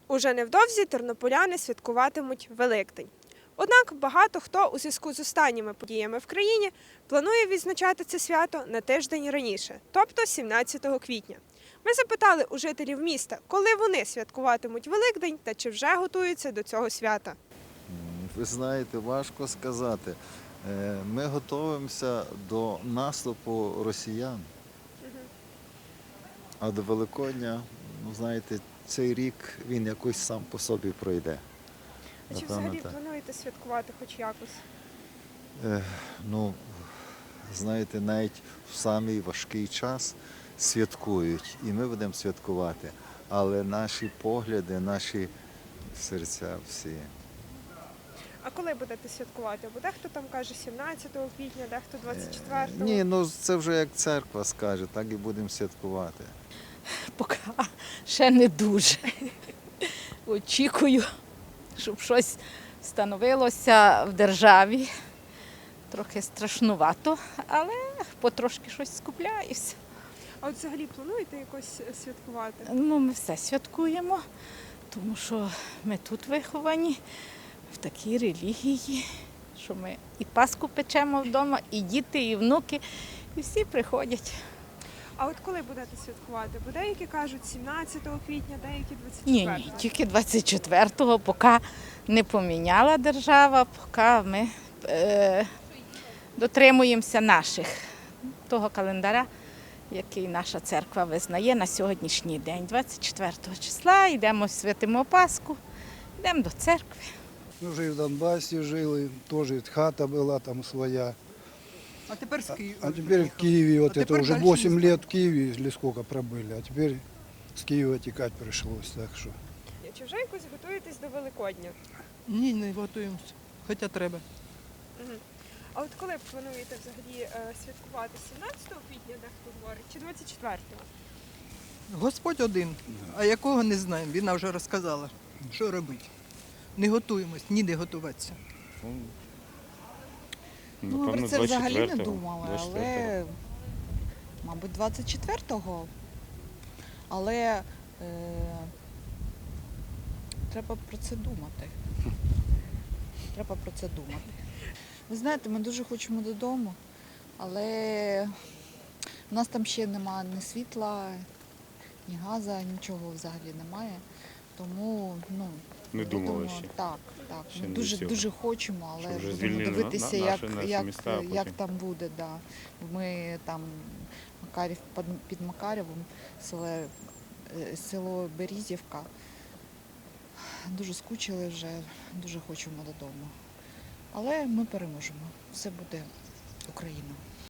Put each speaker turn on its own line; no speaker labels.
Уже невдовзі тернополяни святкуватимуть Великдень. Однак багато хто у зв'язку з останніми подіями в країні планує відзначати це свято на тиждень раніше, тобто 17 квітня. Ми запитали у жителів міста, коли вони святкуватимуть Великдень та чи вже готуються до цього свята.
Ви знаєте, важко сказати. Ми готуємося до наступу росіян. А до Великодня, знаєте, цей рік він якось сам по собі пройде.
А чи
Напевно,
взагалі
так.
плануєте святкувати хоч якось?
Ну, знаєте, навіть в самий важкий час святкують, і ми будемо святкувати. Але наші погляди, наші серця всі.
А коли будете святкувати? Бо дехто там каже 17 квітня, дехто 24-го.
Ні, ну це вже як церква скаже, так і будемо святкувати.
Поки ще не дуже. Очікую, щоб щось становилося в державі. Трохи страшнувато, але потрошки щось скупляюся.
А от взагалі плануєте якось святкувати?
Ну, ми все святкуємо, тому що ми тут виховані, в такій релігії, що ми і Пасху печемо вдома, і діти, і внуки, і всі приходять.
А от коли будете святкувати? Бо деякі кажуть 17 квітня, деякі 24-го.
Ні, тільки 24-го, поки не поміняла держава, поки ми дотримуємося того календаря, який наша церква визнає на сьогоднішній день. 24 числа йдемо, святимо Пасху, йдемо до церкви.
Ми вже і в Донбасі жили, теж хата була там своя.
А тепер з Києва.
А теперь в Киеве, вот это
теперь
уже
дальше
8
не
лет в Киеве, или сколько пробыли, а теперь с Киева текать пришлось, так что.
Чи вже якось готуєтесь до Великодня?
Ні, не готуємося. Хоча треба.
А от коли плануєте взагалі святкувати 17 квітня, дехто говорить, чи 24-го?
Господь один, а якого не знаємо. Вона вже розказала, що робити. Не готуємось, ніде готуватися.
Ну, ми про це взагалі не думали,
24-го.
але, мабуть, 24-го. Але треба про це думати. Треба про це думати. Ви знаєте, ми дуже хочемо додому, але в нас там ще немає ні світла, ні газу, нічого взагалі немає. Тому,
Не думали
будемо-
ще.
Так,
Ще
ми
не
дуже,
до цього.
дуже хочемо, але
Щоб вже
будемо
звільнили
дивитися,
наші міста, а
як
потім-
там буде. Да. Ми там під Макарєвом, село Берізівка. Дуже скучили вже, дуже хочемо додому. Але ми переможемо. Все буде Україна.